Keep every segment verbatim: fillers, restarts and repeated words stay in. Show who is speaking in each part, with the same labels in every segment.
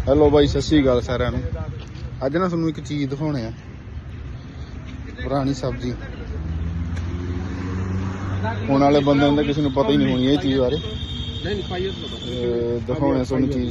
Speaker 1: Hello ਬਾਈ, ਸਤਿ ਸ਼੍ਰੀ ਅਕਾਲ ਸਾਰਿਆਂ ਨੂੰ। ਅੱਜ ਨਾ ਤੁਹਾਨੂੰ ਇੱਕ ਚੀਜ਼ ਦਿਖਾਉਣੇ ਆ, ਪੁਰਾਣੀ ਸਬਜ਼ੀ। ਹੁਣ ਵਾਲੇ ਬੰਦਿਆਂ ਦਾ ਕਿਸੇ ਨੂੰ ਪਤਾ ਹੀ ਨਹੀਂ ਹੋਣੀ ਇਹ ਚੀਜ਼ ਬਾਰੇ। ਦਿਖਾਉਣੇ ਤੁਹਾਨੂੰ ਚੀਜ਼।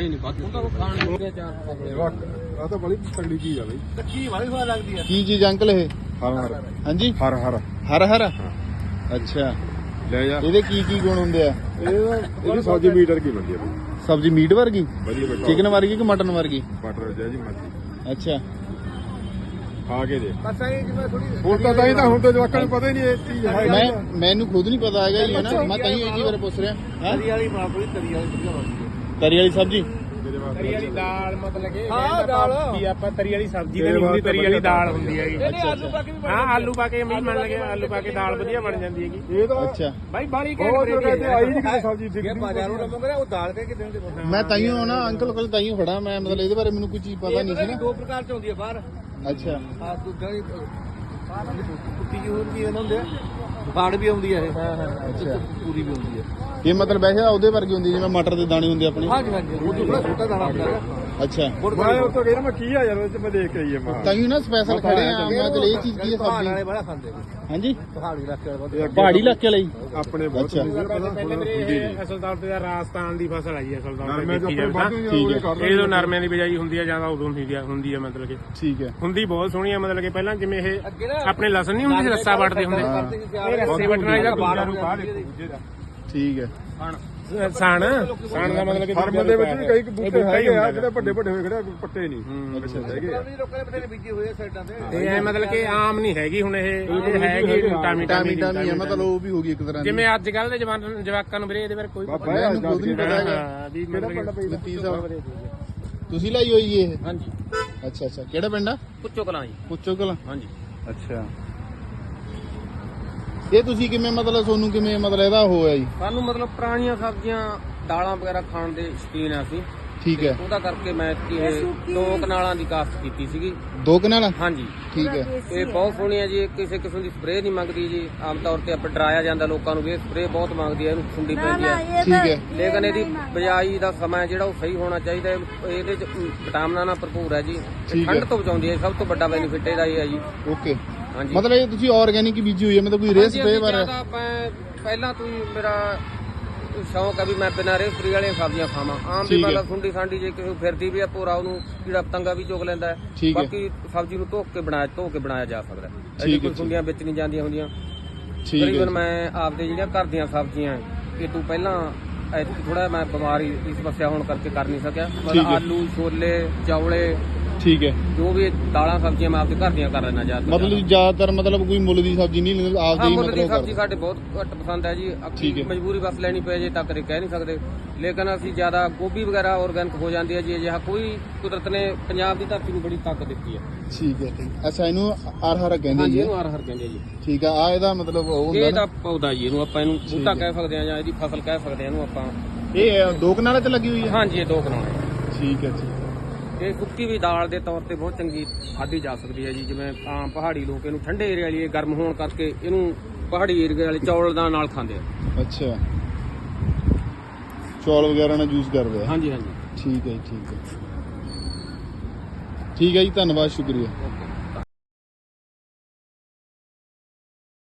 Speaker 2: ਆ ਤਾਂ ਬੜੀ ਤਗੜੀ ਚੀਜ਼ ਆ ਬਈ, ਕੱਚੀ ਬੜੀ ਸਵਾਦ ਲੱਗਦੀ ਆ।
Speaker 1: ਕੀ ਚੀਜ਼ ਅੰਕਲ ਇਹ?
Speaker 2: ਹਰ ਹਰ
Speaker 1: ਹਾਂਜੀ,
Speaker 2: ਹਰ ਹਰ
Speaker 1: ਹਰ ਹਰ। ਅੱਛਾ,
Speaker 2: ਲੈ ਜਾ।
Speaker 1: ਇਹਦੇ ਕੀ ਕੀ ਗੁਣ ਹੁੰਦੇ ਆ?
Speaker 2: ਇਹਦੀ ਸਬਜ਼ੀ ਮੀਟ ਵਰਗੀ ਬਣਦੀ ਆ ਬਈ।
Speaker 1: ਸਬਜ਼ੀ ਮੀਟ ਵਰਗੀ?
Speaker 2: ਵਧੀਆ।
Speaker 1: ਚਿਕਨ ਵਰਗੀ ਕਿ ਮਟਨ ਵਰਗੀ?
Speaker 2: ਬਟਰ ਜੀ ਮਰਜ਼ੀ।
Speaker 1: ਅੱਛਾ,
Speaker 2: ਖਾ ਕੇ ਦੇ। ਹੁਣ ਤਾਂ ਤਾਂ ਹੀ ਤਾਂ ਹੁਣ ਤਾਂ ਜਵਾਕਾਂ ਨੂੰ ਪਤਾ ਹੀ ਨਹੀਂ ਇਹ ਚੀਜ਼ ਹੈ।
Speaker 1: ਮੈਂ ਮੈਨੂੰ ਖੁਦ ਨਹੀਂ ਪਤਾ ਹੈਗਾ ਜੀ, ਹੈ ਨਾ। ਮੈਂ ਤਾਂ ਹੀ ਇਹ ਚੀਜ਼ ਬਾਰੇ ਪੁੱਛ ਰਿਹਾ।
Speaker 3: ਤਰੀ ਵਾਲੀ ਬਾਪੂ ਤਰੀ ਵਾਲੀ ਵਧੀਆ ਬਣਦੀ ਹੈ।
Speaker 1: ਤਰੀ ਵਾਲੀ ਸਬਜ਼ੀ,
Speaker 3: ਤਰੀ ਵਾਲੀ ਦਾਲ ਮਤਲਬ ਕਿ ਹਾਂ ਦਾਲ ਕੀ ਆਪਾਂ ਤਰੀ ਵਾਲੀ ਸਬਜ਼ੀ ਤੇ ਨਹੀਂ ਹੁੰਦੀ, ਤਰੀ ਵਾਲੀ ਦਾਲ ਹੁੰਦੀ ਹੈਗੀ। ਹਾਂ, ਆਲੂ ਪਾ ਕੇ ਮੀਂਹ ਮੰਨ ਲਗੇ, ਆਲੂ ਪਾ ਕੇ ਦਾਲ ਵਧੀਆ ਬਣ ਜਾਂਦੀ ਹੈਗੀ।
Speaker 2: ਇਹ ਤਾਂ
Speaker 1: ਅੱਛਾ
Speaker 3: ਬਾਈ ਬਾਲੀ
Speaker 2: ਬਹੁਤ ਕਹਿੰਦੇ ਆਈ ਨਹੀਂ ਕਿਸੇ ਸਬਜ਼ੀ ਦਿਖਦੀ।
Speaker 3: ਬਾਜ਼ਾਰੋਂ ਨਾ ਮੰਗਣਾ ਉਹ ਦਾਲ ਕੇ ਕਿਦਾਂ ਦੇ।
Speaker 1: ਮੈਂ ਤਾਈਓ ਨਾ ਅੰਕਲ ਕੋਲ ਤਾਈਓ ਖੜਾ। ਮੈਂ ਮਤਲਬ ਇਹਦੇ ਬਾਰੇ ਮੈਨੂੰ ਕੋਈ ਚੀਜ਼ ਪਤਾ ਨਹੀਂ ਸੀ ਨਾ।
Speaker 3: ਦੋ ਪ੍ਰਕਾਰ ਚ ਹੁੰਦੀ ਹੈ ਬਾਹਰ।
Speaker 1: ਅੱਛਾ,
Speaker 3: ਆ ਦੂਜਾ ਵੀ ਕੁੱਤੀ ਜੀ ਹੁੰਦੀ ਹੈ, ਹੁੰਦੇ ਬਾੜ ਵੀ ਆਉਂਦੀ ਹੈ ਇਹ। ਹਾਂ ਹਾਂ,
Speaker 1: ਅੱਛਾ,
Speaker 3: ਪੂਰੀ ਵੀ ਹੁੰਦੀ ਹੈ
Speaker 1: ਇਹ ਮਤਲਬ ਵੈਸੇ ਉਹਦੇ ਵਰਗੀ ਹੁੰਦੀ ਜਿਵੇਂ ਮਟਰ ਦੇ ਦਾਣੇ ਹੁੰਦੇ ਆਪਣੇ।
Speaker 3: ਹਾਂਜੀ ਹਾਂਜੀ, ਉਹ ਥੋੜਾ ਛੋਟਾ ਦਾਣਾ ਹੁੰਦਾ ਹੈ।
Speaker 1: ਅੱਛਾ,
Speaker 2: ਮੈਂ ਉਹ ਤੋਂ ਗਿਆ ਮੈਂ ਕੀ ਆ ਯਾਰ, ਉਹ ਚ ਮੈਂ ਦੇਖ ਕੇ ਆਈ ਆ ਮੈਂ।
Speaker 1: ਤਾਈਓ ਨਾ ਸਪੈਸ਼ਲ ਖੜੇ ਆ। ਮੈਂ ਚਲ ਇਹ ਚੀਜ਼ ਕੀ ਹੈ
Speaker 3: ਪਹਾੜ ਵਾਲੇ
Speaker 1: ਸਬਜ਼ੀ?
Speaker 3: ਬੜਾ ਖਾਂਦੇ ਨੇ।
Speaker 1: ਹਾਂਜੀ,
Speaker 3: ਪਹਾੜੀ ਇਲਾਕੇ ਵਾਲੇ
Speaker 1: ਪਹਾੜੀ ਇਲਾਕੇ ਲਈ।
Speaker 2: ਆਪਣੇ ਬਹੁਤ
Speaker 1: ਅੱਛਾ।
Speaker 3: ਪਹਿਲੇ ਮੇਰੇ ਅਸਲ ਤੌਰ ਤੇ ਰਾਜਸਥਾਨ ਦੀ ਫਸਲ ਆਈ ਹੈ। ਅਸਲ ਤੌਰ
Speaker 2: ਨਰਮੇ
Speaker 3: ਤੇ
Speaker 2: ਦੇ
Speaker 3: ਦੇਖੀ
Speaker 2: ਉੱਪਰ
Speaker 3: ਜਾਵੇ
Speaker 2: ਵੱਧ
Speaker 1: ਠੀਕ ਹੈ।
Speaker 2: ਕਰ
Speaker 3: ਇਹ ਜਦੋਂ ਨਰਮਿਆਂ ਦੀ ਬਿਜਾਈ ਹੁੰਦੀ ਹੈ ਜਾਂ ਉਦੋਂ ਹੁੰਦੀ ਹੈ ਹੁੰਦੀ ਹੈ ਮਤਲਬ ਕਿ
Speaker 1: ਠੀਕ ਹੈ।
Speaker 3: ਹੁੰਦੀ ਬਹੁਤ ਸੋਹਣੀ ਹੈ। ਮਤਲਬ ਕਿ ਪਹਿਲਾਂ ਜਿਵੇਂ ਇਹ ਆਪਣੇ ਲਸਣ ਨਹੀਂ ਹੁੰਦੇ ਸੀ, ਰੱਸਾ ਵੱਟਦੇ ਹੁੰਦੇ, ਇਹ ਰੱਸੇ ਵੱਟਣ ਵਾਲੀ ਦਾ ਬਾਹਰ
Speaker 1: ਠੀਕ ਹੈ।
Speaker 3: ਸਾਣ ਸਾਣ ਦਾ ਮਤਲਬ ਕਿ
Speaker 2: ਫਾਰਮ ਦੇ ਵਿੱਚ ਵੀ ਕਈ ਬੂਟੇ ਹੈਗੇ ਆ ਜਿਹੜੇ ਵੱਡੇ ਵੱਡੇ ਹੋਏ ਖੜੇ, ਪੱਟੇ ਨਹੀਂ
Speaker 1: ਅੱਛਾ,
Speaker 2: ਹੈਗੇ ਆ।
Speaker 3: ਲੋਕਾਂ ਨੇ ਬਥੇਰੇ ਬੀਜੇ ਹੋਏ ਆ ਸਾਈਡਾਂ ਤੇ। ਤੇ ਇਹ ਮਤਲਬ ਕਿ ਆਮ ਨਹੀਂ ਹੈਗੀ ਹੁਣ, ਇਹ ਇਹ ਹੈਗੀ ਟਾਮੀ
Speaker 1: ਟਾਮੀ ਟਾਮੀ ਹੈ, ਮਤਲਬ ਉਹ ਵੀ ਹੋ ਗਈ ਇੱਕ ਤਰ੍ਹਾਂ ਦੀ।
Speaker 3: ਜਿਵੇਂ ਅੱਜ ਕੱਲ ਦੇ ਜਵਾਨ ਜਵਾਕਾਂ ਨੂੰ ਵੀਰੇ ਇਹਦੇ ਬਾਰੇ ਕੋਈ ਪਤਾ
Speaker 1: ਮੈਨੂੰ ਖੁਦ ਨਹੀਂ ਪਤਾ ਹੈਗਾ।
Speaker 3: ਹਾਂ ਵੀ ਮਤਲਬ ਕਿ
Speaker 1: ਨਤੀਜ ਸਾਹਿਬ ਤੁਸੀਂ ਲਾਈ ਹੋਈ ਜੀ ਇਹ?
Speaker 3: ਹਾਂਜੀ।
Speaker 1: ਅੱਛਾ ਅੱਛਾ, ਕਿਹੜਾ ਪਿੰਡ ਆ?
Speaker 3: ਪੁੱਛੋ ਕਲਾਂ ਜੀ।
Speaker 1: ਪੁੱਛੋ ਕਲਾਂ।
Speaker 3: ਹਾਂਜੀ।
Speaker 1: ਅੱਛਾ, ਇਹ ਤੁਸੀਂ ਕਿਵੇਂ ਮਤਲਬ ਤੁਹਾਨੂੰ ਕਿਵੇਂ ਮਤਲਬ ਇਹਦਾ ਹੋਇਆ ਜੀ?
Speaker 3: ਸਾਨੂੰ ਮਤਲਬ ਪੁਰਾਣੀਆਂ ਸਬਜ਼ੀਆਂ ਦਾਲਾਂ ਵਗੈਰਾ ਖਾਣ ਦੇ ਸ਼ੌਕੀਨ ਆ ਅਸੀਂ।
Speaker 1: ਠੀਕ ਹੈ।
Speaker 3: ਉਹਦਾ ਕਰਕੇ ਮੈਂ ਇਹ ਦੋ ਕਨਾਲਾਂ ਦੀ ਕਾਸ਼ਤ ਕੀਤੀ ਸੀਗੀ।
Speaker 1: ਦੋ ਕਨਾਲ?
Speaker 3: ਹਾਂਜੀ।
Speaker 1: ਠੀਕ ਹੈ।
Speaker 3: ਇਹ ਬਹੁਤ ਸੋਹਣੀ ਹੈ ਜੀ। ਇਹ ਕਿਸੇ ਕਿਸਮ ਦੀ ਸਪਰੇਅ ਨਹੀਂ ਮੰਗਦੀ ਜੀ। ਆਮ ਤੌਰ ਤੇ ਆਪਾਂ ਡਰਾਇਆ ਜਾਂਦਾ ਲੋਕਾਂ ਨੂੰ ਵੀ ਇਹ ਸਪਰੇਅ ਬਹੁਤ ਮੰਗਦੀ ਹੈ, ਇਹਨੂੰ ਠੰਡੀ ਪੈਂਦੀ ਹੈ।
Speaker 1: ਠੀਕ ਹੈ।
Speaker 3: ਲੇਕਿਨ ਇਹਦੀ ਬਿਜਾਈ ਦਾ ਸਮਾਂ ਜਿਹੜਾ ਉਹ ਸਹੀ ਹੋਣਾ ਚਾਹੀਦਾ ਹੈ। ਇਹਦੇ ਚ ਵਿਟਾਮਿਨਾਂ ਨਾਲ ਭਰਪੂਰ ਹੈ ਜੀ। ਠੰਡ ਤੋਂ ਬਚਾਉਂਦੀ ਹੈ। ਸਭ ਤੋਂ ਵੱਡਾ ਬੈਨੀਫਿਟ ਇਹਦਾ ਇਹ ਹੈ ਜੀ।
Speaker 1: ਓਕੇ,
Speaker 3: ਹਾਂਜੀ।
Speaker 1: ਮਤਲਬ ਇਹ ਤੁਸੀਂ ਆਰਗੈਨਿਕ ਬੀਜੀ ਹੋਈ ਹੈ, ਮਤਲਬ ਕੋਈ ਰੇਹ ਸਪਰੇਅ ਬਾਰੇ?
Speaker 3: ਮੈਂ ਪਹਿਲਾਂ ਤੋਂ ਹੀ ਮੇਰਾ ਸ਼ੌਂਕ ਹੈ ਵੀ ਮੈਂ ਬਿਨਾਂ ਰੇਹ ਸਪਰੇਅ ਵਾਲੀਆਂ ਸਬਜ਼ੀਆਂ ਖਾਵਾਂ। ਆਮ ਦੀ ਮਤਲਬ ਸੁੰਡੀ ਸਾਂਡੀ ਜੇ ਕਿਸੇ ਫਿਰਦੀ ਵੀ ਆ ਭੋਰਾ, ਉਹਨੂੰ ਕੀੜਾ ਪਤੰਗਾ ਵੀ ਚੁਗ ਲੈਂਦਾ ਹੈ। ਬਾਕੀ ਸਬਜ਼ੀ ਨੂੰ ਧੋ ਕੇ ਬਣਾਇਆ ਧੋ ਕੇ ਬਣਾਇਆ ਜਾ ਸਕਦਾ ਹੈ। ਇਹ ਕੋਈ ਸੁੰਡੀਆਂ ਵਿੱਚ ਨਹੀਂ ਜਾਂਦੀਆਂ ਹੁੰਦੀਆਂ। ਤਕਰੀਬਨ ਮੈਂ ਆਪਦੇ ਜਿਹੜੀਆਂ ਘਰ ਦੀਆਂ ਸਬਜ਼ੀਆਂ ਇਹ ਤੋਂ ਪਹਿਲਾਂ ਥੋੜਾ ਮੈਂ ਬਿਮਾਰੀ ਦੀ ਸਮੱਸਿਆ ਹੋਣ ਕਰਕੇ ਕਰ ਨਹੀਂ ਸਕਿਆ। ਮਤਲਬ ਆਲੂ, ਛੋਲੇ, ਚੌਲੇ,
Speaker 1: ਠੀਕ ਹੈ,
Speaker 3: ਜੋ ਵੀ ਦਾਲਾਂ ਸਬਜ਼ੀਆਂ ਮੈਂ ਆਪਦੇ ਘਰ ਦੀਆਂ ਕਰ ਲੈਣਾ ਜ਼ਿਆਦਾ।
Speaker 1: ਮਤਲਬ ਜ਼ਿਆਦਾਤਰ ਮਤਲਬ ਕੋਈ ਮੁੱਲ ਦੀ ਸਬਜ਼ੀ ਨਹੀਂ ਲੈਂਦੇ ਆਪਦੇ ਹੀ?
Speaker 3: ਮੁੱਲ ਦੀ ਸਬਜ਼ੀ ਸਾਡੇ ਬਹੁਤ ਘੱਟ ਪਸੰਦ ਹੈ ਜੀ।
Speaker 1: ਠੀਕ ਹੈ।
Speaker 3: ਮਜਬੂਰੀ ਬਸ ਲੈਣੀ ਪਏ ਜੇ ਤਾਂ ਕਦੇ ਕਹਿ ਨਹੀਂ ਸਕਦੇ। ਲੇਕਿਨ ਅਸੀਂ ਜ਼ਿਆਦਾ ਗੋਭੀ ਵਗੈਰਾ ਆਰਗੈਨਿਕ ਹੋ ਜਾਂਦੀ ਹੈ ਜੀ। ਅਜਿਹਾ ਕੋਈ ਕੁਦਰਤ ਨੇ ਪੰਜਾਬ ਦੀ ਧਰਤੀ ਨੂੰ ਬੜੀ ਤਾਕਤ ਦਿੱਤੀ ਹੈ।
Speaker 1: ਠੀਕ ਹੈ, ਠੀਕ। ਅੱਛਾ, ਇਹਨੂੰ ਹਰ ਹਰ ਕਹਿੰਦੇ
Speaker 3: ਹਾਂਜੀ,
Speaker 1: ਜੀ?
Speaker 3: ਇਹਨੂੰ ਹਰ ਹਰ ਕਹਿੰਦੇ ਜੀ।
Speaker 1: ਠੀਕ ਆ। ਆ ਇਹਦਾ ਮਤਲਬ ਉਹ ਹੁੰਦਾ
Speaker 3: ਇਹ ਤਾਂ ਪੌਦਾ ਜੀ, ਇਹਨੂੰ ਆਪਾਂ ਇਹਨੂੰ ਬੂਟਾ ਕਹਿ ਸਕਦੇ ਹਾਂ ਜਾਂ ਇਹਦੀ ਫਸਲ ਕਹਿ ਸਕਦੇ ਹਾਂ ਇਹਨੂੰ ਆਪਾਂ।
Speaker 1: ਇਹ ਦੋ ਕਨਾਲਾਂ ਤੇ ਲੱਗੀ ਹੋਈ ਹੈ?
Speaker 3: ਹਾਂਜੀ, ਇਹ ਦੋ ਕਨਾਲ।
Speaker 1: ਠੀਕ ਹੈ, ਠੀਕ ਹੈ।
Speaker 3: ਇਹ ਸੁੱਕੀ ਵੀ ਦਾਲ ਦੇ ਤੌਰ ਤੇ ਬਹੁਤ ਚੰਗੀ ਖਾਧੀ ਜਾ ਸਕਦੀ ਹੈ ਜੀ। ਜਿਵੇਂ ਆਮ ਪਹਾੜੀ ਲੋਕ ਇਹਨੂੰ ਠੰਡੇ ਏਰੀਆ ਵਾਲੀ ਗਰਮ ਹੋਣ ਕਰਕੇ ਇਹਨੂੰ ਪਹਾੜੀ ਏਰੀਆ ਵਾਲੇ ਚੌਲ ਦਾ ਨਾਲ ਖਾਂਦੇ ਆ।
Speaker 1: ਅੱਛਾ, ਚੌਲ ਵਗੈਰਾ ਨਾਲ ਯੂਜ਼ ਕਰਦੇ ਆ?
Speaker 3: ਹਾਂਜੀ ਹਾਂਜੀ।
Speaker 1: ਠੀਕ ਹੈ ਜੀ, ਠੀਕ ਹੈ। ਠੀਕ ਹੈ ਜੀ, ਧੰਨਵਾਦ, ਸ਼ੁਕਰੀਆ।